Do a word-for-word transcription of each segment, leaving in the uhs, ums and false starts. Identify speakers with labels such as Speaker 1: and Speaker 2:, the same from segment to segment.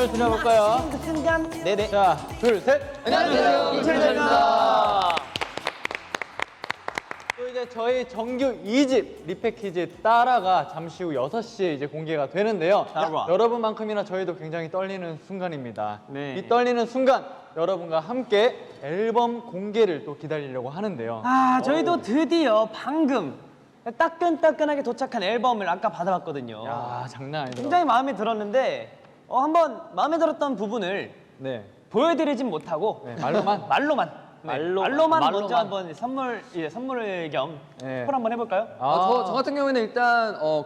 Speaker 1: 인사를 드려볼까요?
Speaker 2: 그 순간. 네네.
Speaker 1: 자, 둘, 셋.
Speaker 3: 안녕하세요, 김철재입니다.
Speaker 1: 또 이제 저희 정규 이 집 리패키지 따라가 잠시 후 여섯 시에 이제 공개가 되는데요.
Speaker 2: 따라.
Speaker 1: 여러분만큼이나 저희도 굉장히 떨리는 순간입니다.
Speaker 2: 네.
Speaker 1: 이 떨리는 순간 여러분과 함께 앨범 공개를 또 기다리려고 하는데요.
Speaker 2: 아, 저희도 드디어 방금 따끈따끈하게 도착한 앨범을 아까 받아봤거든요.
Speaker 1: 야, 장난 아니다.
Speaker 2: 굉장히 마음에 들었는데 어, 한번 마음에 들었던 부분을
Speaker 1: 네.
Speaker 2: 보여드리진 못하고
Speaker 1: 네, 말로만.
Speaker 2: 말로만 네,
Speaker 1: 말로만.
Speaker 2: 말로만 먼저
Speaker 1: 말로만.
Speaker 2: 한번 선물 예, 선물 겸
Speaker 1: 네.
Speaker 2: 스포를 한번 해볼까요?
Speaker 3: 아, 저, 저 같은 경우에는 일단 어,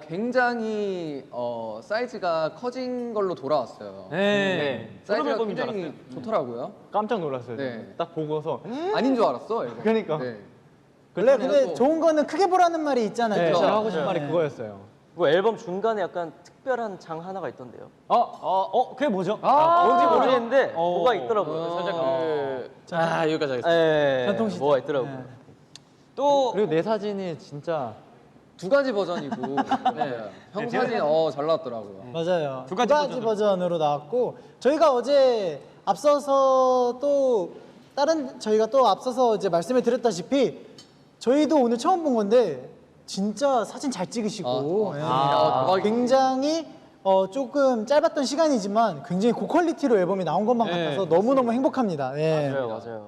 Speaker 3: 굉장히 어, 사이즈가 커진 걸로 돌아왔어요.
Speaker 2: 네.
Speaker 3: 사이즈가
Speaker 2: 앨범인 줄
Speaker 3: 굉장히 좋더라고요.
Speaker 1: 깜짝 놀랐어요.
Speaker 3: 네.
Speaker 1: 저는. 딱 보고서.
Speaker 3: 아닌 줄 알았어. 이거.
Speaker 1: 그러니까.
Speaker 3: 네.
Speaker 4: 원래
Speaker 3: 그래서
Speaker 4: 근데 좋은 거는 크게 보라는 말이 있잖아요.
Speaker 1: 네,
Speaker 4: 그죠?
Speaker 1: 제가 하고 싶은 말이 그거였어요.
Speaker 5: 그 앨범 중간에 약간 특별한 장 하나가 있던데요.
Speaker 1: 어?
Speaker 2: 어, 어, 그게 뭐죠?
Speaker 5: 아, 뭔지
Speaker 2: 어.
Speaker 5: 모르겠는데
Speaker 2: 어.
Speaker 5: 뭐가 있더라고요.
Speaker 3: 어.
Speaker 5: 살짝 그
Speaker 6: 아 여기까지 하겠습니다.
Speaker 5: 예,
Speaker 4: 전통시장.
Speaker 5: 뭐가 있더라고요.
Speaker 4: 네.
Speaker 2: 또
Speaker 1: 그리고 내 사진이 진짜
Speaker 3: 두 가지 버전이고 네. 형 사진 어, 잘 나왔더라고요.
Speaker 4: 맞아요.
Speaker 2: 두
Speaker 4: 두
Speaker 2: 가지
Speaker 4: 가지, 버전으로 나왔고 저희가 어제 앞서서 또 다른 저희가 또 앞서서 이제 말씀을 드렸다시피 저희도 오늘 처음 본 건데 진짜 사진 잘 찍으시고
Speaker 3: 아,
Speaker 4: 예.
Speaker 3: 아, 대박이다.
Speaker 4: 굉장히 어, 조금 짧았던 시간이지만 굉장히 고퀄리티로 앨범이 나온 것만
Speaker 2: 네,
Speaker 4: 같아서 너무너무 행복합니다. 예.
Speaker 5: 맞아요, 맞아요.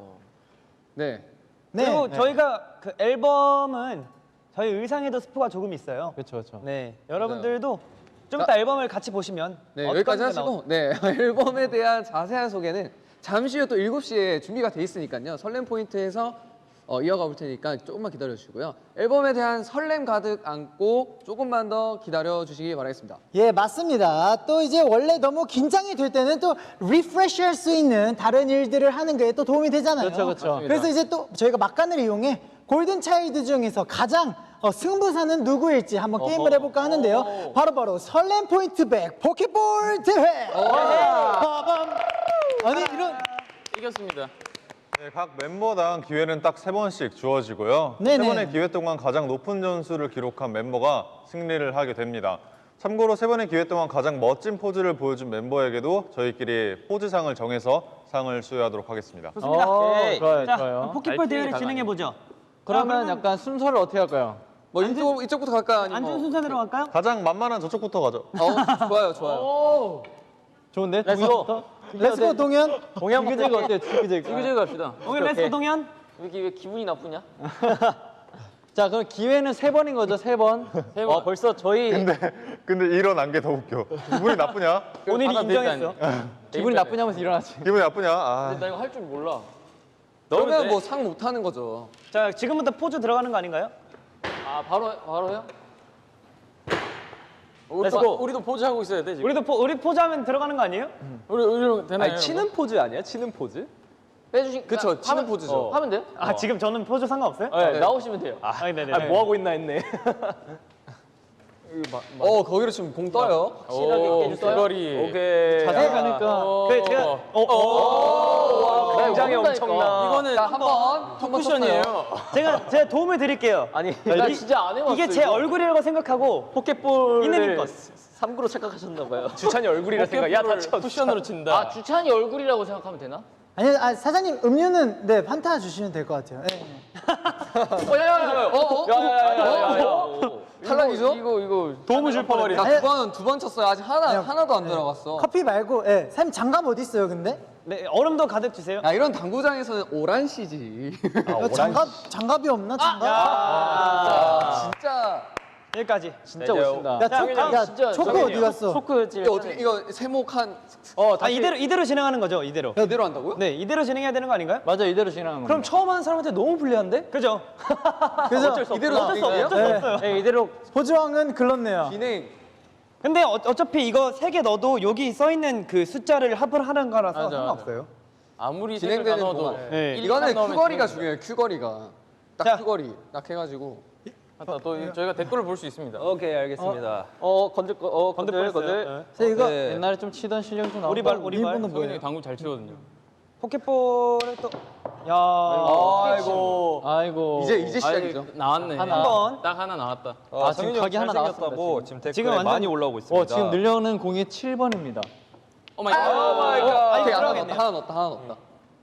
Speaker 3: 네.
Speaker 4: 네.
Speaker 2: 그리고
Speaker 4: 네.
Speaker 2: 저희가 그 앨범은 저희 의상에도 스포가 조금 있어요.
Speaker 1: 그렇죠, 그렇죠.
Speaker 2: 네, 여러분들도 좀
Speaker 3: 자,
Speaker 2: 이따 앨범을 같이 보시면
Speaker 3: 네,
Speaker 2: 어떤
Speaker 3: 여기까지
Speaker 2: 게
Speaker 3: 하시고 네, 앨범에 대한 자세한 소개는 잠시 후 또 일곱 시에 준비가 돼 있으니까요. 설렘 포인트에서 어, 이어가 볼 테니까 조금만 기다려 주시고요. 앨범에 대한 설렘 가득 안고 조금만 더 기다려 주시기 바라겠습니다.
Speaker 4: 예, 맞습니다. 또 이제 원래 너무 긴장이 될 때는 또 리프레시 할 수 있는 다른 일들을 하는 게 또 도움이 되잖아요.
Speaker 1: 그렇죠, 그렇죠.
Speaker 3: 맞습니다.
Speaker 4: 그래서 이제 또 저희가 막간을 이용해 골든 차일드 중에서 가장 어, 승부사는 누구일지 한번 게임을 해볼까 하는데요. 바로바로 설렘 포인트 백 포켓볼 대회! 빠밤! 아니, 이런.
Speaker 6: 이겼습니다.
Speaker 7: 네, 각 멤버당 기회는 딱 세 번씩 주어지고요.
Speaker 4: 네네.
Speaker 7: 세 번의 기회 동안 가장 높은 점수를 기록한 멤버가 승리를 하게 됩니다. 참고로 세 번의 기회 동안 가장 멋진 포즈를 보여준 멤버에게도 저희끼리 포즈상을 정해서 상을 수여하도록 하겠습니다.
Speaker 2: 좋습니다.
Speaker 1: 어,
Speaker 2: 오케이.
Speaker 1: 좋아요,
Speaker 2: 자,
Speaker 1: 좋아요.
Speaker 2: 그럼 포켓볼 대회를 진행해 보죠.
Speaker 1: 그러면 약간 순서를 어떻게 할까요?
Speaker 3: 뭐 이쪽, 이쪽부터 갈까요? 아니면
Speaker 2: 안전
Speaker 3: 뭐-
Speaker 2: 순서대로 갈까요?
Speaker 7: 가장 만만한 저쪽부터 가죠.
Speaker 3: 어, 좋아요, 좋아요.
Speaker 1: 좋은데?
Speaker 5: 렛츠고.
Speaker 1: 동현부터?
Speaker 4: 렛츠고 동현!
Speaker 1: 동현 지그재그 어때요? 지그재그.
Speaker 6: 지그재그 갑시다.
Speaker 2: 오늘 레스코 동현.
Speaker 5: 왜, 이렇게 왜 기분이 나쁘냐?
Speaker 1: 자, 그럼 기회는 세 번인 거죠? 세 번.
Speaker 5: 어, 벌써 저희
Speaker 7: 근데 근데 일어난 게 더 웃겨. 기분이 나쁘냐?
Speaker 2: 오늘이
Speaker 6: 하나
Speaker 2: 인정했어.
Speaker 1: 기분이 나쁘냐면서 일어나지.
Speaker 7: 기분이 나쁘냐? 아.
Speaker 5: 나 이거 할 줄 몰라.
Speaker 3: 그러면 뭐 상 못 하는 거죠.
Speaker 2: 자, 지금부터 포즈 들어가는 거 아닌가요?
Speaker 5: 아, 바로 바로요?
Speaker 6: 우리도,
Speaker 5: 렛츠고.
Speaker 6: 우리도 포즈 하고 있어야 돼 지금.
Speaker 2: 우리도 포, 우리 포즈하면 들어가는 거 아니에요?
Speaker 6: 우리 우리 되나요?
Speaker 5: 포즈 아니야? 치는 포즈? 빼주신
Speaker 3: 그쵸, 치는
Speaker 5: 하면-
Speaker 3: 포즈죠.
Speaker 5: 어, 하면 돼요?
Speaker 2: 아, 지금 저는 포즈 상관없어요?
Speaker 5: 네, 나오시면 돼요.
Speaker 2: 아, 네네.
Speaker 5: 아, 뭐 하고 있나 했네.
Speaker 3: 어, 거기로 지금 공 떠요.
Speaker 5: 확실하게
Speaker 6: 오,
Speaker 5: 깨주세요.
Speaker 6: 귀걸이.
Speaker 5: 오케이.
Speaker 1: 자세히 가니까.
Speaker 2: 그 제가 어, 어,
Speaker 5: 굉장히 엄청나.
Speaker 6: 이거는
Speaker 3: 자, 한 번, 한 번
Speaker 6: 쿠션이에요.
Speaker 2: 제가 제가 도움을 드릴게요.
Speaker 5: 아니, 나 진짜 안 해봤어.
Speaker 2: 이게 제
Speaker 5: 이거.
Speaker 2: 얼굴이라고 생각하고
Speaker 5: 포켓볼을
Speaker 2: 이내민 것.
Speaker 5: 삼구로 착각하셨나 봐요.
Speaker 6: 주찬이 얼굴이라 생각. 야 다쳐. 쿠션으로 친다.
Speaker 5: 아, 주찬이 얼굴이라고 생각하면 되나?
Speaker 4: 아니, 아, 사장님 음료는 네, 판타 주시면 될 것 같아요. 네.
Speaker 5: 어, 야, 야, 야,
Speaker 3: 어, 어,
Speaker 5: 야야야야야.
Speaker 3: 탈락이죠?
Speaker 5: 이거 이거
Speaker 6: 도움을 줄 뻔했네.
Speaker 3: 자, 두 번, 두 번 쳤어요. 아직 하나,
Speaker 4: 그냥-
Speaker 3: 하나도 안 들어갔어.
Speaker 4: 커피 말고, 예. 사장님 장갑 어디 있어요, 근데?
Speaker 2: 네, 얼음도 가득 주세요.
Speaker 3: 야, 이런 당구장에서는 오란시지.
Speaker 4: 야, 장갑, 장갑이 없나, 장갑?
Speaker 3: 진짜.
Speaker 2: 여기까지.
Speaker 1: 진짜 멋있다.
Speaker 4: 야, 초, 야,
Speaker 5: 진짜
Speaker 4: 초코
Speaker 5: 저기
Speaker 4: 어디 갔어?
Speaker 5: 초크 찔.
Speaker 3: 이거 어떻게, 이거 세목 한,
Speaker 2: 어, 아, 이대로 이대로 진행하는 거죠, 이대로.
Speaker 3: 이대로 한다고요?
Speaker 2: 네, 이대로 진행해야 되는 거 아닌가요?
Speaker 1: 맞아, 이대로 진행하는
Speaker 2: 그럼
Speaker 1: 겁니다.
Speaker 2: 처음 하는 사람한테 너무 불리한데? 그죠?
Speaker 4: 그래서
Speaker 3: 이대로
Speaker 2: 어쩔 수 없어,
Speaker 3: 진행해요?
Speaker 2: 어쩔 수 없어요.
Speaker 5: 네, 이대로
Speaker 4: 보조왕은 글렀네요.
Speaker 3: 진행.
Speaker 2: 근데 어, 어차피 이거 세 개 넣어도 여기 써 있는 그 숫자를 합을 하는 거라서
Speaker 6: 맞아,
Speaker 2: 상관없어요.
Speaker 6: 아무리
Speaker 3: 진행되는
Speaker 6: 색을 나눠도
Speaker 3: 동안.
Speaker 2: 네.
Speaker 6: 일
Speaker 3: 이거는
Speaker 6: 이상 나오면
Speaker 3: 큐거리가
Speaker 6: 진행.
Speaker 3: 중요해요, 큐거리가. 딱
Speaker 2: 자.
Speaker 3: 큐거리. 딱 해가지고.
Speaker 6: 맞다. 또 이- 저희가 댓글을 볼 수 있습니다.
Speaker 5: 오케이, 알겠습니다. 어, 건들 거, 어, 건들
Speaker 2: 건들
Speaker 5: 건들.
Speaker 2: 뻔했어요.
Speaker 4: 그래서 이거
Speaker 3: 네.
Speaker 1: 옛날에 좀 치던 실력이 좀 나온다.
Speaker 2: 오리발, 오리발.
Speaker 4: 일본은
Speaker 6: 성현이
Speaker 4: 뭐예요?
Speaker 6: 당구 잘 치거든요.
Speaker 2: 포켓볼을 또, 야,
Speaker 5: 아이고.
Speaker 1: 아이고.
Speaker 3: 이제, 이제 시작이죠.
Speaker 6: 아이, 나왔네.
Speaker 1: 하나.
Speaker 2: 한 번.
Speaker 6: 딱 하나 나왔다.
Speaker 1: 아, 지금 각이 하나 나왔습니다. 지금.
Speaker 8: 지금 댓글에
Speaker 2: 지금 완전-
Speaker 8: 많이 올라오고
Speaker 1: 어,
Speaker 8: 있습니다.
Speaker 1: 지금 늘려오는 공이 칠 번입니다.
Speaker 3: 오 마이 갓. 오 마이 갓. 오케이, 하나
Speaker 2: 들어가겠네요.
Speaker 3: 넣었다. 하나 넣었다. 하나 넣었다.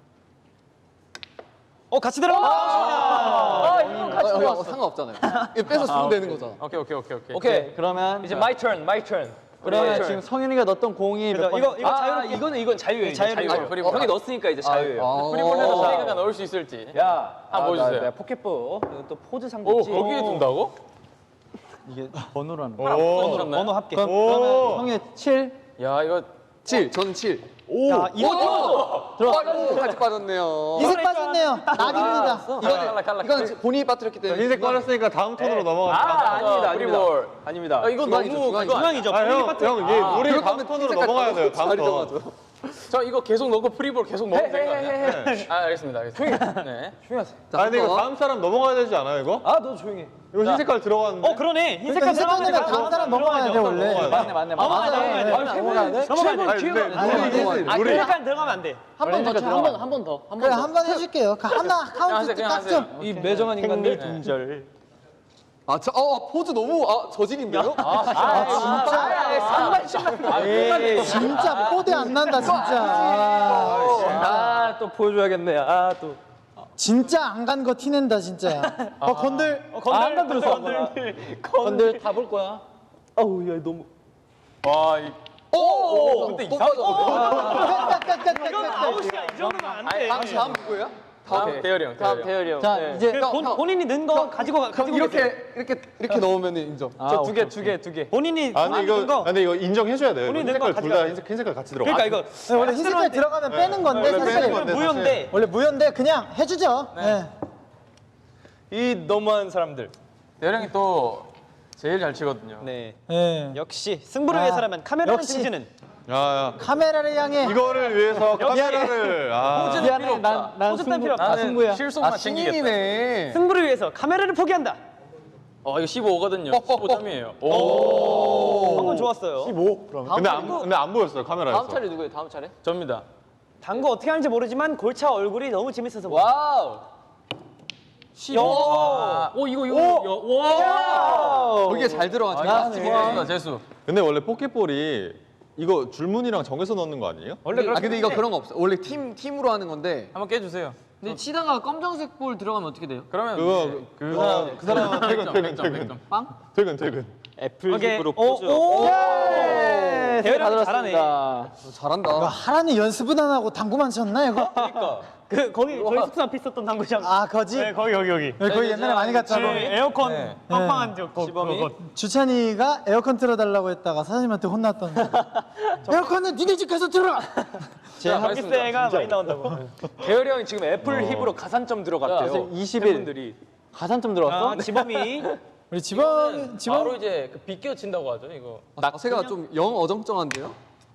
Speaker 2: 어 같이 들어가.
Speaker 3: 아, 이거 같이 들어갔어. 상관없잖아요. 이거 빼서 주면 되는 거잖아.
Speaker 6: 오케이 오케이 오케이 오케이.
Speaker 1: 오케이, 그러면
Speaker 6: 이제 my turn, my turn.
Speaker 1: 그러면 지금 성윤이가 넣었던 공이 몇 번?
Speaker 2: 이거 이거
Speaker 6: 아,
Speaker 2: 자유롭게.
Speaker 6: 이거는 이건 자유예요. 이제
Speaker 2: 자유예요.
Speaker 6: 자유. 프리볼. 형이 넣었으니까 이제 자유예요.
Speaker 3: 아,
Speaker 6: 프리볼에서
Speaker 3: 아.
Speaker 6: 세이가가 넣을 수 있을지.
Speaker 1: 야,
Speaker 6: 한번 보여주세요.
Speaker 1: 내가 포켓볼. 이거 또 포즈상도
Speaker 6: 오
Speaker 1: 있지.
Speaker 6: 거기에 둔다고?
Speaker 1: 이게 번호라는 거.
Speaker 7: 오.
Speaker 2: 번호 합계.
Speaker 1: 그럼 그러면 성윤이 칠.
Speaker 6: 야 이거
Speaker 3: 칠. 저는 칠.
Speaker 2: 야, 이거
Speaker 3: 들어갔어. 같이 빠졌네요.
Speaker 4: 이색 빠졌네요. 낙입니다.
Speaker 6: 칼라 칼라.
Speaker 3: 이건 본인이 빠뜨렸기 때문에.
Speaker 7: 흰색 빠졌으니까 다음 턴으로 넘어갑니다.
Speaker 6: 아 아닙니다 프리볼.
Speaker 1: 아닙니다.
Speaker 6: 아, 이거
Speaker 3: 중앙이죠,
Speaker 6: 너무
Speaker 3: 중앙이죠.
Speaker 6: 그거 아니야?
Speaker 2: 중앙이죠.
Speaker 7: 아, 형,
Speaker 2: 파트.
Speaker 7: 형, 얘 우리
Speaker 3: 그럴
Speaker 7: 다음
Speaker 3: 거면
Speaker 7: 턴으로
Speaker 3: 흰색
Speaker 7: 넘어가야 돼요. 다음
Speaker 3: 자리
Speaker 7: 턴.
Speaker 3: 정하죠.
Speaker 6: 저 이거 계속 넣고 프리볼 계속 먹으면 되는 거 아니야? 아 알겠습니다 알겠습니다. 네.
Speaker 3: 자,
Speaker 7: 아, 근데 이거
Speaker 3: 한 번.
Speaker 7: 다음 사람 넘어가야 되지 않아요, 이거?
Speaker 1: 아, 너 조용히 해.
Speaker 7: 이거 흰 색깔 들어갔는데.
Speaker 2: 어 그러네. 흰
Speaker 4: 그러니까
Speaker 2: 색깔
Speaker 4: 흰색
Speaker 2: 들어가면
Speaker 4: 다음 사람 넘어가야 돼 원래.
Speaker 1: 맞네, 맞네, 맞네.
Speaker 2: 넘어가야 돼.
Speaker 4: 맞아요.
Speaker 2: 넘어가야 돼. 넘어가야 돼.
Speaker 7: 아니, 근데
Speaker 3: 아니,
Speaker 7: 룰이
Speaker 3: 아니,
Speaker 7: 있어,
Speaker 2: 아,
Speaker 7: 룰이.
Speaker 2: 흰 색깔 들어가면 안 돼.
Speaker 3: 한 번 더, 한 번, 한 번 더. 한
Speaker 4: 그래
Speaker 3: 번 더.
Speaker 4: 한 번 해줄게요. 그 하나
Speaker 6: 그냥
Speaker 4: 카운트
Speaker 6: 하세요 그냥
Speaker 4: 딱
Speaker 6: 하세요.
Speaker 4: 좀.
Speaker 1: 이 매정한 인간들.
Speaker 2: 동절.
Speaker 3: 아, 저, 어, 포즈 너무, 아, 저질인데요?
Speaker 4: 아 진짜.
Speaker 1: 에이,
Speaker 4: 진짜 뽀대 안 난다 진짜. 아,
Speaker 1: 아, 또 보여줘야겠네. 아, 또.
Speaker 4: 진짜 안 간 거 티낸다 진짜. 어 건들.
Speaker 2: 어, 건들.
Speaker 1: 아, 안 건드렸어.
Speaker 2: 건들.
Speaker 1: 건들 다 볼 거야. 아우, 야, 너무.
Speaker 6: 와 이.
Speaker 3: 오!
Speaker 6: 근데
Speaker 3: 또
Speaker 6: 이상-
Speaker 3: 빠졌거든.
Speaker 2: 이건 아웃이야. 이 정도면 안 돼.
Speaker 3: 다음, 다음 누구예요?
Speaker 6: 다음 대열이 형.
Speaker 3: 다음
Speaker 6: 대열이 형.
Speaker 3: 대열이 형.
Speaker 1: 자, 이제.
Speaker 2: 그 본, 본인이 넣은 거 가지고 가- 가지고
Speaker 3: 이렇게,
Speaker 2: 계세요.
Speaker 3: 이렇게, 이렇게 넣으면 인정.
Speaker 1: 아,
Speaker 6: 저 두 개 두 개 두 개.
Speaker 2: 본인이
Speaker 7: 아, 근데
Speaker 2: 넣은
Speaker 7: 이거,
Speaker 2: 거.
Speaker 7: 아, 근데 이거 인정해줘야 돼요.
Speaker 2: 우리
Speaker 7: 흰
Speaker 2: 낸 거
Speaker 7: 색깔 둘 다
Speaker 2: 가져가요.
Speaker 7: 흰색, 흰 색깔 같이 들어가.
Speaker 2: 그러니까 이거
Speaker 4: 네, 원래 흰 색깔 들어가면 빼는 건데
Speaker 7: 원래 빼는
Speaker 4: 사실
Speaker 7: 건데.
Speaker 2: 무효인데.
Speaker 4: 원래 무효인데 그냥 해주죠. 네.
Speaker 6: 이 너무한 사람들. 대열이 형이 또 제일 잘 치거든요.
Speaker 2: 네.
Speaker 4: 네.
Speaker 2: 역시 승부를
Speaker 4: 아,
Speaker 2: 위해서라면 카메라를
Speaker 4: 역시.
Speaker 2: 챙기는.
Speaker 7: 야, 야.
Speaker 4: 카메라를 향해.
Speaker 7: 이거를 위해서 카메라를. 아.
Speaker 1: 미안해, 난, 난
Speaker 2: 포즈
Speaker 1: 승부.
Speaker 2: 필요 없다.
Speaker 1: 아, 승부야.
Speaker 6: 실속만
Speaker 3: 아,
Speaker 6: 챙기겠다.
Speaker 3: 신인이네.
Speaker 2: 승부를 위해서 카메라를 포기한다.
Speaker 6: 어 이거 십오거든요. 십오 점이에요.
Speaker 2: 방금 좋았어요.
Speaker 7: 근데 안, 근데 안 보였어요, 카메라에서.
Speaker 3: 다음 차례 누구예요? 다음 차례?
Speaker 6: 접니다.
Speaker 2: 당구 어떻게 하는지 모르지만 골차 얼굴이 너무 재밌어서.
Speaker 3: 와우.
Speaker 2: 십오.
Speaker 6: 오 이거 이거 와.
Speaker 3: 거기에 잘 들어가죠.
Speaker 6: 재수다 재수.
Speaker 7: 근데 원래 포켓볼이 이거 줄무늬랑 정해서 넣는 거 아니에요?
Speaker 3: 원래 아, 근데 이거 그런 거 없어. 원래 팀, 팀으로 하는 건데.
Speaker 6: 한번 깨주세요.
Speaker 8: 근데 치다가 검정색 볼 들어가면 어떻게 돼요?
Speaker 6: 그러면
Speaker 7: 그거,
Speaker 6: 이제
Speaker 7: 그 사람, 그 사람은 퇴근,
Speaker 6: 백 점,
Speaker 7: 퇴근,
Speaker 6: 백 점, 백
Speaker 7: 퇴근.
Speaker 6: 점.
Speaker 7: 퇴근, 퇴근.
Speaker 1: 애플식으로
Speaker 2: 오,
Speaker 1: 포즈.
Speaker 2: 오.
Speaker 1: 네,
Speaker 2: 대열이
Speaker 1: 다
Speaker 2: 잘하네.
Speaker 1: 들었습니다.
Speaker 4: 이거
Speaker 3: 잘한다.
Speaker 4: 하라는 연습은 안 하고 당구만 쳤나 이거?
Speaker 2: 그 거기 저희 숙소 앞에 있었던 당구장.
Speaker 4: 아 거지?
Speaker 2: 네, 거기 여기 여기.
Speaker 4: 네, 거기 옛날에 많이 갔잖아.
Speaker 2: 그 에어컨
Speaker 6: 네.
Speaker 2: 빵빵한 저 거.
Speaker 6: 시범이?
Speaker 2: 그거.
Speaker 4: 주찬이가 에어컨 틀어달라고 했다가 사장님한테 혼났던. 에어컨은 니네 집 가서 틀어.
Speaker 6: 제
Speaker 2: 전기세가 많이 나온다고.
Speaker 6: 대열이 형이 지금 애플 힙으로 가산점 들어갔대요.
Speaker 1: 이십 일.
Speaker 6: 팬분들이.
Speaker 1: 가산점 들어왔어?
Speaker 2: 아, 지범이.
Speaker 4: 우리 집안 집안
Speaker 6: 바로 이제 그 비껴 친다고 하죠 이거.
Speaker 3: 아, 자세가 좀 영 어정쩡한데요?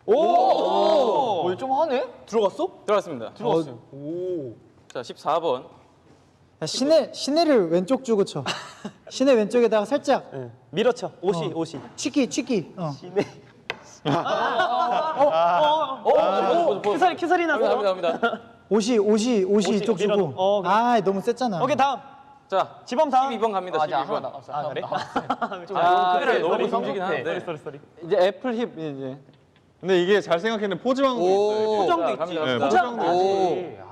Speaker 1: 오! 좀 하네? 들어갔어?
Speaker 6: 들어갔습니다. 들어갔어요. 오. 자 십사 번.
Speaker 4: 야, 시내 시내를 왼쪽 주고 쳐. 시내 왼쪽에다가 살짝
Speaker 2: 밀어쳐. 옷이
Speaker 4: 어.
Speaker 2: 옷이.
Speaker 4: 치키 치키. 어.
Speaker 2: 오, 큐살이 큐살이 나서.
Speaker 6: 갑니다 갑니다 갑니다.
Speaker 4: 옷이 옷이 옷이 이쪽
Speaker 2: 밀어-
Speaker 4: 주고.
Speaker 2: 어, 그래.
Speaker 4: 아 너무 셌잖아.
Speaker 2: 오케이 다음.
Speaker 6: 자
Speaker 2: 지범 다음.
Speaker 6: 십이 번 갑니다. 십이 번.
Speaker 2: 아 그래?
Speaker 6: 아,
Speaker 2: 그래
Speaker 6: 너무
Speaker 2: 너무
Speaker 6: 성질긴 한데.
Speaker 2: 쏘리 쏘리 쏘리.
Speaker 1: 이제 애플 힙, 이제.
Speaker 7: 근데 이게 잘 생각했는데 포즈왕도 있어요. 이게.
Speaker 2: 포장도
Speaker 6: 자,
Speaker 2: 있지.
Speaker 6: 갑니다,
Speaker 7: 네,
Speaker 6: 갑니다.
Speaker 7: 포장도
Speaker 3: 오.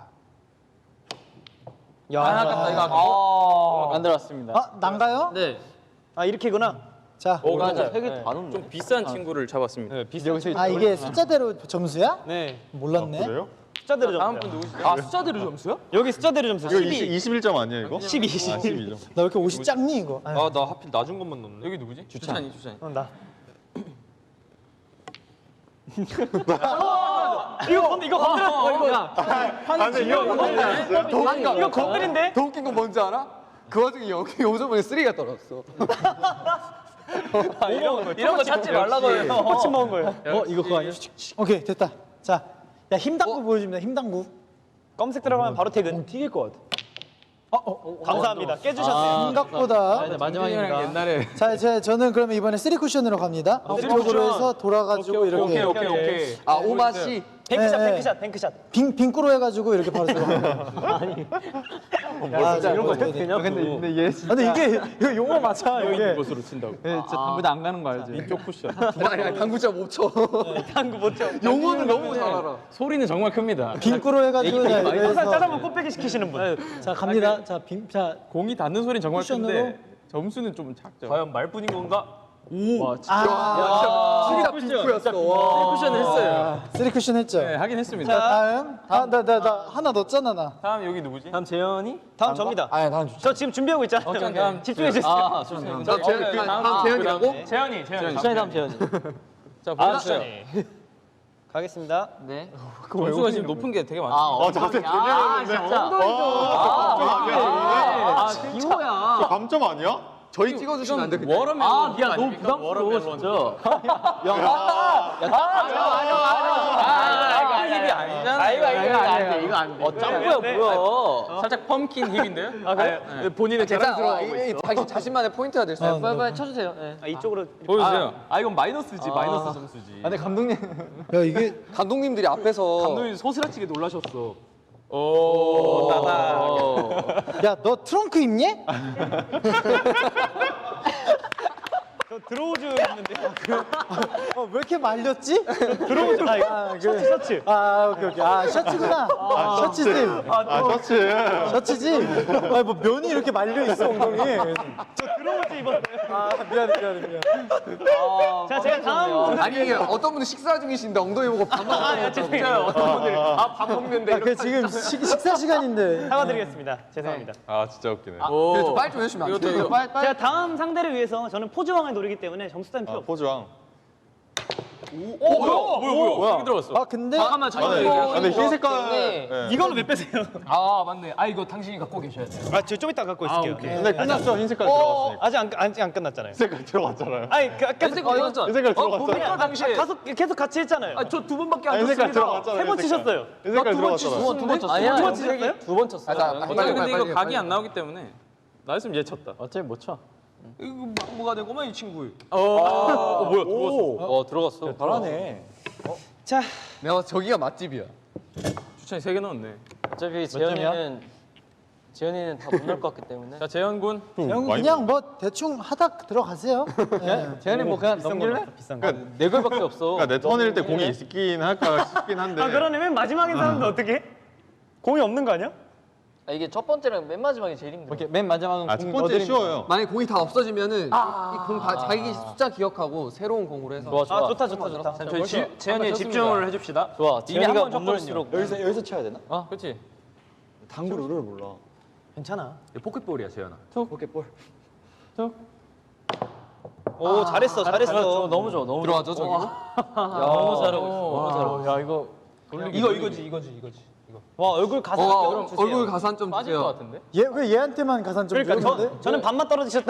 Speaker 2: 야.
Speaker 6: 아, 아깝다 이거 아깝다.
Speaker 1: 안 들어왔습니다.
Speaker 4: 아 난가요?
Speaker 8: 네.
Speaker 2: 아 이렇게구나.
Speaker 4: 자.
Speaker 6: 오 맞아.
Speaker 1: 세개 다 넣는
Speaker 6: 좀 비싼 친구를 잡았습니다.
Speaker 1: 여기서
Speaker 4: 아 이게 숫자대로 점수야?
Speaker 2: 네.
Speaker 4: 몰랐네.
Speaker 7: 그래요?
Speaker 2: 숫자대로
Speaker 6: 다음
Speaker 2: 점수.
Speaker 6: 분 누구시죠?
Speaker 8: 아 숫자대로 점수요?
Speaker 2: 여기 숫자대로 점수.
Speaker 7: 이거
Speaker 2: 십이.
Speaker 7: 이십일 점 아니에요, 이거?
Speaker 2: 십이,
Speaker 7: 아,
Speaker 2: 십이.
Speaker 7: 십이 점.
Speaker 4: 나 왜 이렇게 옷이 작니 이거? 아유.
Speaker 6: 아 나 하필 낮은 것만 넣네. 여기 누구지? 주찬이 주찬이.
Speaker 2: 어, 나. 이거 건 이거 건드렸어. 이거.
Speaker 7: 아, 근데 이거
Speaker 3: 도망가.
Speaker 2: 이거 건드린데?
Speaker 3: 더 웃긴 건 뭔지 알아? 그 와중에 여기 요즘에 쓰리가 떨어졌어.
Speaker 6: 이런 거 찾지 말라고요.
Speaker 2: 호치 먹은 거예요.
Speaker 1: 어, 이거 그거 아니야?
Speaker 4: 오케이 됐다. 자, 야 힘당구 보여줍니다. 힘당구.
Speaker 2: 검색 들어가면 바로 퇴근.
Speaker 1: 튀길 것 같아.
Speaker 4: 어, 어,
Speaker 2: 감사합니다. 깨주셨네요.
Speaker 4: 생각보다.
Speaker 1: 아, 이제 마지막입니다.
Speaker 6: 옛날에
Speaker 4: 자, 제 저는 그러면 이번에 쓰리 쿠션으로 갑니다.
Speaker 2: 쓰리
Speaker 4: 이쪽으로
Speaker 2: 쿠션.
Speaker 4: 해서 돌아가지고 이렇게.
Speaker 6: 오케이 오케이 오케이.
Speaker 3: 아, 오마시.
Speaker 2: 뱅크샷,
Speaker 4: 네,
Speaker 2: 뱅크샷, 뱅크샷.
Speaker 4: 빙 빙꾸로 해가지고 이렇게 바로 들어가는 거예요. 아, 진짜
Speaker 5: 이런 거 해도 되냐고.
Speaker 1: 근데 근데 얘 진짜
Speaker 4: 근데 이게 이거 용어 맞아 이게.
Speaker 6: 곳으로 친다고.
Speaker 1: 얘 진짜 당구대 안 가는 거 알지?
Speaker 6: 이쪽 쿠션.
Speaker 3: 아니, 아니 당구 진짜 못 쳐.
Speaker 2: 당구 못 쳐.
Speaker 3: 용어는 너무 잘 알아.
Speaker 6: 소리는 정말 큽니다.
Speaker 4: 빙꾸로 해가지고 자,
Speaker 2: 항상
Speaker 4: 이래서
Speaker 2: 짜장면 꽃배기 시키시는 분.
Speaker 4: 자 갑니다. 자 빙, 자
Speaker 6: 공이 닿는 소리는 정말
Speaker 4: 쿠션으로?
Speaker 6: 큰데 점수는 좀 작죠.
Speaker 5: 과연 말뿐인 건가?
Speaker 4: 아,
Speaker 3: 진짜 빙크였어. 와.
Speaker 6: 쿠션을 했어요.
Speaker 4: 쓰리 쿠션 했죠.
Speaker 6: 네, 하긴 했습니다.
Speaker 4: 자 다음, 아, 나, 나, 나 하나 넣었잖아 나.
Speaker 6: 다음 여기 누구지?
Speaker 5: 다음 재현이?
Speaker 2: 다음 접니다.
Speaker 3: 아니 다음 주.
Speaker 2: 저 지금 준비하고 있잖아요.
Speaker 6: 어, 다음
Speaker 2: 집중해 주세요.
Speaker 5: 아, 좋습니다.
Speaker 3: 자, 제, 그, 다음 재현이라고?
Speaker 6: 재현이, 재현이.
Speaker 5: 수현이 다음 재현이.
Speaker 6: 자, 보여주세요.
Speaker 2: 가겠습니다.
Speaker 5: 네.
Speaker 6: 점수가 지금 높은 게 되게 많죠.
Speaker 5: 어, 자세 되게 아, 진짜. 아, 기호야.
Speaker 7: 저 감점 아니야?
Speaker 3: 저희 찍어주시면 안 돼. 그냥.
Speaker 6: 워터멜론.
Speaker 5: 아, 야, 너무 부담스러워, 진짜.
Speaker 6: 아, 이거 힙이 아니잖아.
Speaker 5: 아, 이거, 이거, 안 돼, 이거 안 돼. 어, 짱구야, 뭐야.
Speaker 6: 살짝 펌킨 힙인데요? 아, 그래? 네. 본인의
Speaker 3: 괜찮아.
Speaker 6: 자랑스러워하고
Speaker 3: 이게
Speaker 6: 있어.
Speaker 3: 자기 자신만의 포인트가 될 수
Speaker 4: 어,
Speaker 3: 있어.
Speaker 5: 빨리, 빨리 쳐주세요. 네.
Speaker 2: 아, 이쪽으로.
Speaker 6: 보여주세요.
Speaker 5: 아, 이건 마이너스지, 마이너스 점수지.
Speaker 1: 아, 근데 감독님
Speaker 4: 야 이게
Speaker 3: 감독님들이 앞에서
Speaker 5: 감독님 소스라치게 놀라셨어.
Speaker 6: 오, 나다.
Speaker 4: 야 너 트렁크 입니?
Speaker 2: 저 드로우즈 있는데.
Speaker 4: 어, 왜 이렇게 말렸지?
Speaker 2: 드로우즈. 아, 이거 셔츠, 셔츠.
Speaker 4: 아 오케이 오케이 아 셔츠구나. 아, 셔츠지.
Speaker 7: 아, 셔츠.
Speaker 4: 셔츠지. 아뭐 면이 이렇게 말려 있어 엉덩이.
Speaker 2: 저 드로우즈 입었어요.
Speaker 4: 아 미안해 미안해 미안해.
Speaker 2: 자, 제가 다음.
Speaker 3: 아니 어떤 분은 식사 중이신데 엉덩이 보고 밥 먹고
Speaker 2: 아, 죄송해요. 어떤 분들. 아, 밥 먹는데.
Speaker 4: 야, 그 지금 식, 식사 시간인데.
Speaker 2: 사과드리겠습니다. 죄송합니다.
Speaker 7: 아, 진짜 웃기네.
Speaker 3: 그래 좀 빨리 좀 해주시면 안 돼요?
Speaker 2: 빨리, 빨리. 제가 다음 상대를 위해서 저는 포즈왕을 노리기 때문에 점수 따는 필요
Speaker 7: 아,
Speaker 2: 없어요.
Speaker 7: 포즈왕.
Speaker 6: 오, 뭐야, 뭐야, 뭐야. 뭐야. 들어갔어.
Speaker 4: 아 근데
Speaker 5: 잠깐만,
Speaker 7: 아,
Speaker 5: 잠깐만.
Speaker 7: 네. 아, 근데 흰 색깔.
Speaker 5: 때문에
Speaker 7: 네.
Speaker 2: 이걸로 몇 빼세요?
Speaker 5: 아, 맞네. 아, 이거 당신이 갖고 계셔야 돼요.
Speaker 2: 아, 저 좀 이따 갖고 있을게요.
Speaker 7: 근데 끝났죠? 흰 색깔 들어갔으니까.
Speaker 2: 아직 안, 아직 안 끝났잖아요.
Speaker 7: 흰 색깔 들어갔잖아요.
Speaker 2: 아니, 그, 계속,
Speaker 5: 색깔 이거잖아.
Speaker 7: 흰 색깔
Speaker 5: 어,
Speaker 7: 들어갔잖아요.
Speaker 5: 보니까 당시에.
Speaker 2: 계속, 계속 같이 했잖아요.
Speaker 5: 아, 저 두 번밖에 안
Speaker 7: 흰 색깔
Speaker 5: 쳤습니다.
Speaker 7: 들어갔잖아요.
Speaker 2: 세 번
Speaker 7: 흰 색깔.
Speaker 2: 치셨어요.
Speaker 7: 흰 색깔 들어갔잖아요.
Speaker 5: 두번 쳤어요. 아니야, 두번 치셨어요? 두 번 쳤어요.
Speaker 3: 아, 자,
Speaker 6: 어차피
Speaker 3: 빨리,
Speaker 6: 근데
Speaker 3: 빨리,
Speaker 6: 이거
Speaker 3: 빨리,
Speaker 6: 각이
Speaker 3: 빨리.
Speaker 6: 안 나오기 때문에 나였으면 얘 쳤다.
Speaker 1: 어차피 못 쳐.
Speaker 5: 이거 뭐가 되고만 이 친구.
Speaker 6: 어, 어 뭐야, 들어갔어.
Speaker 5: 어, 들어갔어.
Speaker 1: 잘하네.
Speaker 2: 자,
Speaker 3: 내가 저기가 맛집이야.
Speaker 6: 추천이 세 개 넣었네.
Speaker 5: 어차피
Speaker 1: 점이야?
Speaker 5: 재현이는 재현이는 다 못 넣을 것 같기 때문에.
Speaker 6: 자, 재현 군.
Speaker 4: 형 그냥 뭐 대충 하다 들어가세요. 네.
Speaker 1: 재현이 뭐 그냥 넘길래?
Speaker 2: 비싼 거.
Speaker 5: 네 골밖에 없어.
Speaker 7: 그러니까 내 턴일 때 공이 있긴 할까 싶긴 한데.
Speaker 2: 아, 그러네. 맨 마지막인 사람도 어떻게? 공이 없는 거 아니야?
Speaker 5: 아, 이게 첫 번째랑 맨 마지막이 제일 힘들어.
Speaker 1: 이렇게 맨 마지막은
Speaker 7: 아, 첫
Speaker 1: 공
Speaker 7: 번째
Speaker 1: 넣어드리는
Speaker 7: 쉬워요.
Speaker 3: 만약에 공이 다 없어지면은 이공 자기 숫자 기억하고 새로운 공으로 해서.
Speaker 5: 좋아, 좋아.
Speaker 2: 아, 좋다, 좋다, 좋다.
Speaker 6: 자, 저희 지, 재현이 집중을 해줍시다.
Speaker 5: 좋아.
Speaker 6: 이미
Speaker 5: 재현이가
Speaker 6: 한번
Speaker 5: 못
Speaker 6: 쳤거든요.
Speaker 5: 넣을수록.
Speaker 1: 여기서 여기서 쳐야 되나?
Speaker 6: 어, 그렇지.
Speaker 1: 당구 룰을 몰라.
Speaker 2: 괜찮아.
Speaker 6: 포켓볼이야, 재현아.
Speaker 1: 포켓볼.
Speaker 2: 오, 잘했어, 잘했어.
Speaker 5: 너무 좋아, 너무
Speaker 3: 들어가죠 저기.
Speaker 5: 너무 잘하고 있어. 너무 잘하고 있어.
Speaker 1: 야 이거
Speaker 2: 이거, 이거지, 이거지, 이거지. 이거. 와, 얼굴 가슴.
Speaker 3: 어, 얼굴 가산 좀
Speaker 5: 빠질 것
Speaker 3: 주세요.
Speaker 5: 같은데?
Speaker 4: 얘 왜 얘한테만 가산 좀
Speaker 2: 그러니까
Speaker 4: 주는데?
Speaker 2: 저, 저는 반만 떨어지셨다.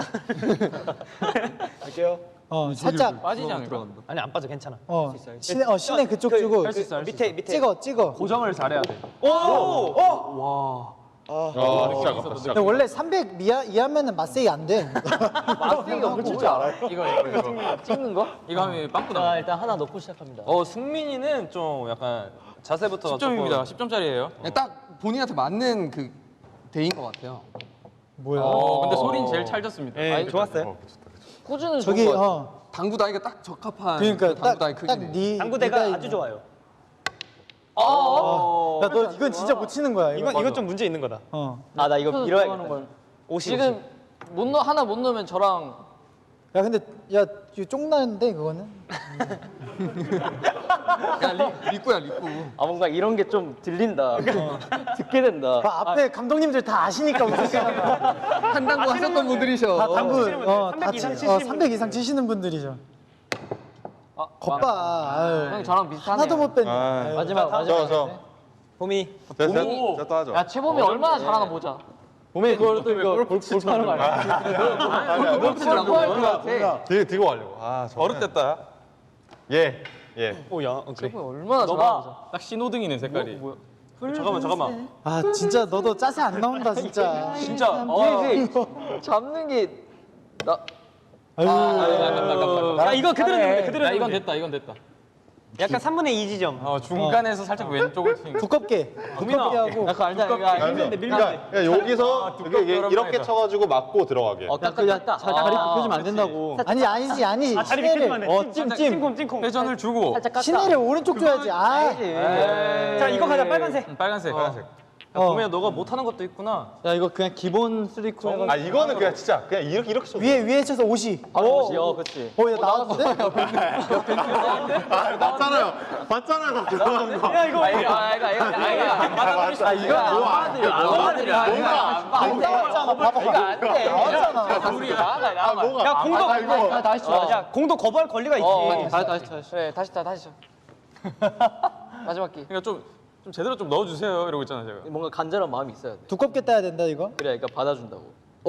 Speaker 1: 할게요.
Speaker 4: 어 살짝
Speaker 6: 빠지지 않을까?
Speaker 2: 아니, 안 빠져, 괜찮아.
Speaker 4: 어 시내 어 시내 그쪽 주고
Speaker 2: 할수 있어, 밑에, 밑에.
Speaker 4: 찍어 찍어.
Speaker 6: 고정을 잘해야 돼.
Speaker 2: 오! 오!
Speaker 7: 아, 진짜 아깝다. 진짜
Speaker 4: 근데 원래 삼백 미하 이하면은 맛세이 안 돼.
Speaker 5: 마스팅이 없는 줄 알아요? 이거, 이거, 이거. 찍는 거?
Speaker 6: 이거 하면 빵꾸
Speaker 5: 자,
Speaker 6: 나.
Speaker 5: 일단 하나 넣고 시작합니다.
Speaker 6: 어, 승민이는 좀 약간 자세부터 십 점입니다. 십 점짜리예요.
Speaker 3: 그냥 딱 본인한테 맞는 그 대인 것 같아요.
Speaker 4: 뭐야?
Speaker 6: 어, 근데 소린 제일 찰졌습니다.
Speaker 2: 예, 좋았어요.
Speaker 5: 꾸준은
Speaker 4: 저기
Speaker 5: 좋은 거 같아.
Speaker 4: 어
Speaker 3: 당구 다이가 딱 적합한
Speaker 4: 그러니까
Speaker 3: 그 당구 다이 크기네.
Speaker 4: 딱딱네
Speaker 2: 당구대가 아주 좋아요.
Speaker 4: 야너 이건 진짜 못 치는 거야. 이거.
Speaker 2: 이건, 이건 좀 문제 있는 거다.
Speaker 4: 어.
Speaker 2: 아, 나 이거
Speaker 5: 들어가는
Speaker 2: 밀어야겠다.
Speaker 5: 걸.
Speaker 2: 오십,
Speaker 5: 지금 못 넣, 하나 못 넣으면 저랑
Speaker 4: 야 근데 야 이거 쫑나는데 그거는.
Speaker 3: 야 리, 리꾸야 리꾸.
Speaker 5: 아 뭔가 이런 게 좀 들린다. 듣게 된다.
Speaker 4: 그 앞에 감독님들 다 아시니까 웃으시는 거야.
Speaker 3: 한 당구 하셨던 분들이셔.
Speaker 4: 다 당구
Speaker 2: 치시는
Speaker 4: 어,
Speaker 2: 분들,
Speaker 4: 다
Speaker 2: 삼백
Speaker 4: 치,
Speaker 2: 이상
Speaker 4: 어,
Speaker 2: 치시는
Speaker 4: 삼백 이상 치시는 분들이죠.
Speaker 5: 아,
Speaker 4: 겉봐. 아유.
Speaker 5: 형이 저랑 비슷하네요.
Speaker 4: 하나도 못 뺐네.
Speaker 7: 아,
Speaker 1: 마지막
Speaker 7: 저,
Speaker 1: 마지막.
Speaker 7: 저.
Speaker 2: 봄이.
Speaker 7: 됐어, 됐어. 또 하죠.
Speaker 5: 야 채범이 얼마나 잘하나 보자.
Speaker 1: 몸에 그걸 또 이거 골프 하는 거 아니야?
Speaker 3: 골프 치라고 것 같아.
Speaker 7: 되게 들고 가려고. 아, 저.
Speaker 6: 버릇됐다.
Speaker 7: 예, 예.
Speaker 2: 오, 야, 어, 그래.
Speaker 5: 채범이 얼마나 잘하나 보자.
Speaker 6: 딱 신호등이네, 색깔이.
Speaker 2: 잠깐만, 잠깐만.
Speaker 4: 아 진짜 너도 짜세 안 나온다 진짜.
Speaker 5: 진짜. 어, 이게 잡는 게 나.
Speaker 4: 아유.
Speaker 2: 야, 이거 그대로 넣으면 돼, 그대로
Speaker 6: 야,
Speaker 2: 넣으면
Speaker 6: 이건
Speaker 2: 돼.
Speaker 6: 됐다, 이건 됐다.
Speaker 2: 약간 삼분의 이 지점.
Speaker 6: 어, 중간에서 살짝 왼쪽을 튀는.
Speaker 4: 두껍게 두껍게 하고
Speaker 1: 약간 알다 이거
Speaker 7: 아니,
Speaker 2: 밀면 돼, 밀면 돼.
Speaker 7: 그러니까 그냥 여기서 이게, 이게
Speaker 6: 두껍게
Speaker 7: 이렇게
Speaker 6: 해서.
Speaker 7: 쳐가지고 맞고 들어가게.
Speaker 1: 어, 딱 그냥 잘 다리 굽혀주면 안 된다고.
Speaker 4: 아니 아니지 아니지
Speaker 2: 아, 다리
Speaker 4: 시내를
Speaker 2: 비켜주면 안 돼.
Speaker 1: 어, 찜, 찜.
Speaker 2: 찜콩, 찜콩.
Speaker 6: 회전을 주고.
Speaker 5: 살짝 깎아.
Speaker 4: 시내를 오른쪽 줘야지 아
Speaker 2: 자, 이거 가자, 빨간색.
Speaker 6: 음, 빨간색, 빨간색.
Speaker 4: 어.
Speaker 5: 보면 너가 못하는 것도 있구나.
Speaker 1: 야, 이거 그냥 기본 쓰리쿠 해가지고.
Speaker 7: 아 이거는 그냥 진짜 그냥 이렇게 이렇게 쳐.
Speaker 4: 위에 위에 쳐서 옷이
Speaker 5: 오, 어, 그렇지.
Speaker 4: 어, 야, 나왔는데?
Speaker 7: 아, 맞잖아요. 맞잖아요. 나 죄송한 거.
Speaker 2: 야, 이거.
Speaker 5: 아, 이거, 아, 이거, 이거,
Speaker 7: 아 이거 안
Speaker 5: 받아들여, 안 받아들여.
Speaker 4: 안 나왔잖아, 봐봐.
Speaker 5: 이거 안 돼.
Speaker 4: 나왔잖아.
Speaker 5: 우리 나가,
Speaker 7: 아
Speaker 5: 나가.
Speaker 7: 뭐가?
Speaker 2: 야, 공도.
Speaker 7: 아, 이거.
Speaker 1: 다시 쳐.
Speaker 2: 야, 공도 거부할 권리가 있지.
Speaker 5: 어,
Speaker 1: 다시, 다시, 다시.
Speaker 5: 그래, 다시 타, 다시 쳐. 마지막 기.
Speaker 6: 그러니까 좀, 좀 제대로 좀 넣어주세요 이러고 있잖아 제가.
Speaker 5: 뭔가 간절한 마음이 있어야 돼.
Speaker 4: 두껍게 따야 된다 이거.
Speaker 5: 그래, 그러니까 받아준다고.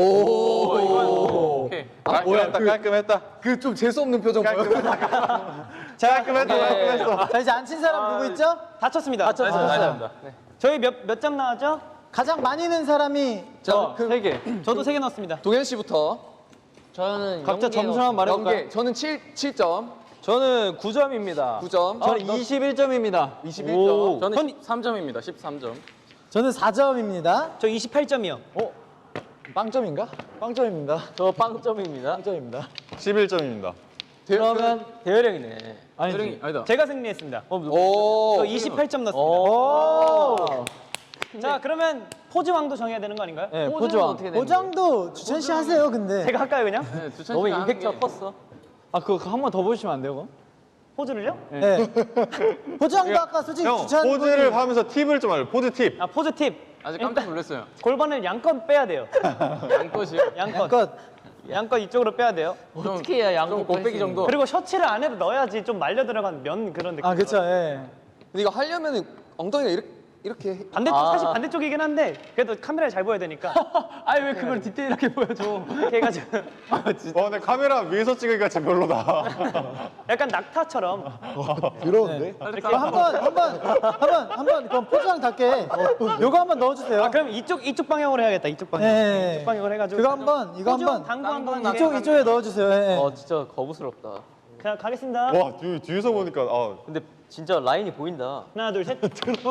Speaker 6: 오케이.
Speaker 7: 깔끔했다. 깔끔했다.
Speaker 3: 그 좀 재수 없는 표정 보여.
Speaker 4: 자,
Speaker 7: 깔끔했다. 깔끔했어.
Speaker 4: 자 이제 안 친 사람 누구 있죠?
Speaker 2: 다 쳤습니다. 다
Speaker 6: 알겠습니다.
Speaker 2: 저희 몇 몇 점 나왔죠?
Speaker 4: 가장 많이 는 사람이
Speaker 2: 저
Speaker 1: 세 개.
Speaker 2: 저도 세 개 넣었습니다.
Speaker 3: 동현 씨부터
Speaker 5: 저는
Speaker 1: 각자
Speaker 5: 연계
Speaker 1: 점수만 말해볼까요?
Speaker 3: 연계. 저는 칠, 칠 점,
Speaker 5: 저는 구 점입니다.
Speaker 3: 구 점.
Speaker 1: 저는 이십일 점입니다.
Speaker 3: 이십일 점.
Speaker 6: 저는 십삼 점입니다. 십삼 점.
Speaker 4: 저는 사 점입니다.
Speaker 2: 저 이십팔 점이요.
Speaker 4: 빵점인가? 빵점입니다.
Speaker 5: 저 빵점입니다.
Speaker 4: 빵점입니다.
Speaker 7: 십일 점입니다.
Speaker 1: 그러면
Speaker 5: 대열형이네.
Speaker 1: 아니지.
Speaker 6: 아니다.
Speaker 2: 제가 승리했습니다.
Speaker 3: 오.
Speaker 2: 저 이십팔 점 넣었습니다.
Speaker 1: 오.
Speaker 2: 자, 그러면 포즈 왕도 정해야 되는 거 아닌가요?
Speaker 1: 네,
Speaker 5: 포즈는
Speaker 1: 포즈왕.
Speaker 5: 어떻게 되는 거예요?
Speaker 4: 보장도 주찬 씨 하세요 근데.
Speaker 2: 제가 할까요, 그냥?
Speaker 6: 네, 두찬
Speaker 5: 너무
Speaker 6: 씨가 하는
Speaker 5: 임팩트가
Speaker 6: 게-
Speaker 5: 컸어.
Speaker 1: 아, 그거 한 번 더 보시면 안 돼요, 그거?
Speaker 2: 포즈를요?
Speaker 4: 네. 보장도 아까 솔직히
Speaker 7: 형
Speaker 4: 주찬
Speaker 7: 포즈를 하면서 팁을 좀 알려. 포즈 팁.
Speaker 2: 아, 포즈 팁.
Speaker 6: 아직 깜짝 놀랐어요.
Speaker 2: 골반을 양껏 빼야 돼요.
Speaker 6: 양껏이요?
Speaker 2: 양껏.
Speaker 4: 양껏.
Speaker 2: 양껏 이쪽으로 빼야 돼요.
Speaker 5: 어떻게 해야 양쪽
Speaker 6: 좀 곱빼기 정도.
Speaker 2: 그리고 셔츠를 안에도 넣어야지 좀 말려 들어간 면 그런 느낌.
Speaker 4: 아 그쵸. 예.
Speaker 3: 근데 이거 하려면은 엉덩이가 이렇게 이렇게 해-
Speaker 2: 반대쪽
Speaker 5: 아.
Speaker 2: 사실 반대쪽이긴 한데 그래도 카메라에 잘 보여야 되니까
Speaker 1: 아니, 왜 그걸 디테일하게 보여줘.
Speaker 2: 이렇게 해가지고
Speaker 7: 와 근데 카메라 위에서 찍으니까 진짜 별로다.
Speaker 2: 약간 낙타처럼
Speaker 4: 더러운데? 이거 한번 한번 한번 한번 그럼 포즈왕답게 요거 한번 넣어주세요.
Speaker 2: 아 그럼 이쪽 이쪽 방향으로 해야겠다 이쪽 방향
Speaker 4: 네.
Speaker 2: 이쪽 방향으로 해가지고
Speaker 4: 그거 한번 이거
Speaker 2: 포즈
Speaker 4: 한번
Speaker 2: 당구 한번
Speaker 4: 이쪽 이쪽에 넣어주세요. 예.
Speaker 5: 어, 진짜 거부스럽다.
Speaker 2: 자 가겠습니다.
Speaker 7: 와 뒤, 뒤에서 보니까 아
Speaker 5: 근데 진짜 라인이 보인다.
Speaker 2: 하나 둘 셋.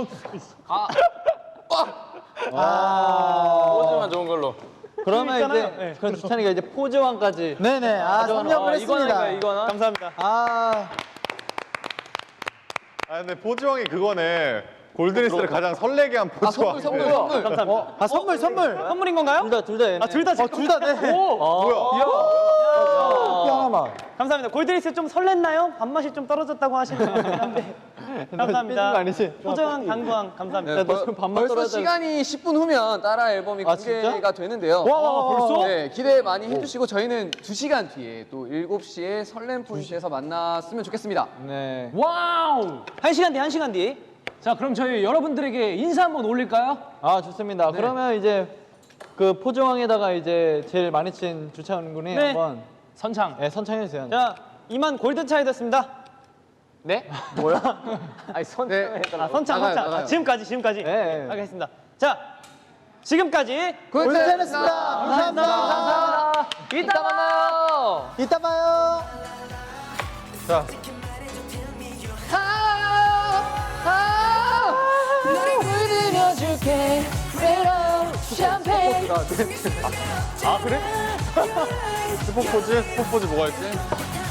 Speaker 4: 아.
Speaker 6: 포즈만 좋은 걸로.
Speaker 1: 그러면
Speaker 2: 있잖아요.
Speaker 1: 이제,
Speaker 2: 네.
Speaker 1: 그럼 주찬이가 이제 포즈왕까지.
Speaker 4: 네네. 아 섭렵을 했습니다.
Speaker 5: 이거나.
Speaker 2: 감사합니다.
Speaker 4: 아.
Speaker 7: 아 근데 포즈왕이 그거네. 골드리스를 가장 설레게 한
Speaker 3: 아
Speaker 7: 포즈왕.
Speaker 3: 선물 선물 선물.
Speaker 2: 감사합니다.
Speaker 4: 아 선물 선물.
Speaker 2: 선물인 건가요?
Speaker 1: 둘 다, 둘 다 얘네.
Speaker 2: 아 둘 다 제
Speaker 4: 둘 다 네.
Speaker 7: 뭐야?
Speaker 4: 뼈 하나만.
Speaker 2: 감사합니다. 골드리스 좀 설렜나요? 밥맛이 좀 떨어졌다고 하시는 것 같긴 한데 감사합니다.
Speaker 1: 삐진 거 아니지?
Speaker 2: 포즈왕 당구왕 감사합니다.
Speaker 3: 네,
Speaker 1: 너
Speaker 3: 벌-
Speaker 1: 지금 밥만
Speaker 3: 벌써
Speaker 1: 떨어야 돼.
Speaker 3: 시간이 십 분 후면 따라 앨범이
Speaker 1: 아, 진짜?
Speaker 3: 공개가 되는데요.
Speaker 2: 와 벌써?
Speaker 3: 네, 기대 많이 해주시고 저희는 두 시간 뒤에 또 일곱 시에 설렘 포인트에서 만났으면 좋겠습니다.
Speaker 1: 네.
Speaker 8: 와우.
Speaker 2: 한 시간 뒤 한 시간 뒤.
Speaker 8: 자, 그럼 저희 여러분들에게 인사 한번 올릴까요?
Speaker 1: 아, 좋습니다. 그러면 이제 그 포즈왕에다가 이제 제일 많이 친 주찬 군이
Speaker 2: 네.
Speaker 1: 한번
Speaker 8: 선창.
Speaker 1: 네, 선창해주세요.
Speaker 2: 자 이만 골드 차이 됐습니다.
Speaker 5: 네? 아니, 손.
Speaker 3: 네.
Speaker 2: 아, 선창,
Speaker 3: 나가요,
Speaker 2: 선창.
Speaker 3: 나가요.
Speaker 2: 아, 지금까지, 지금까지.
Speaker 1: 네.
Speaker 2: 하겠습니다. 자, 지금까지.
Speaker 4: 골든했습니다. 감사합니다.
Speaker 2: 감사합니다.
Speaker 5: 이따 만나요.
Speaker 4: 이따 봐요.
Speaker 7: 자 스포 포즈? 스포 포즈 뭐가 있지?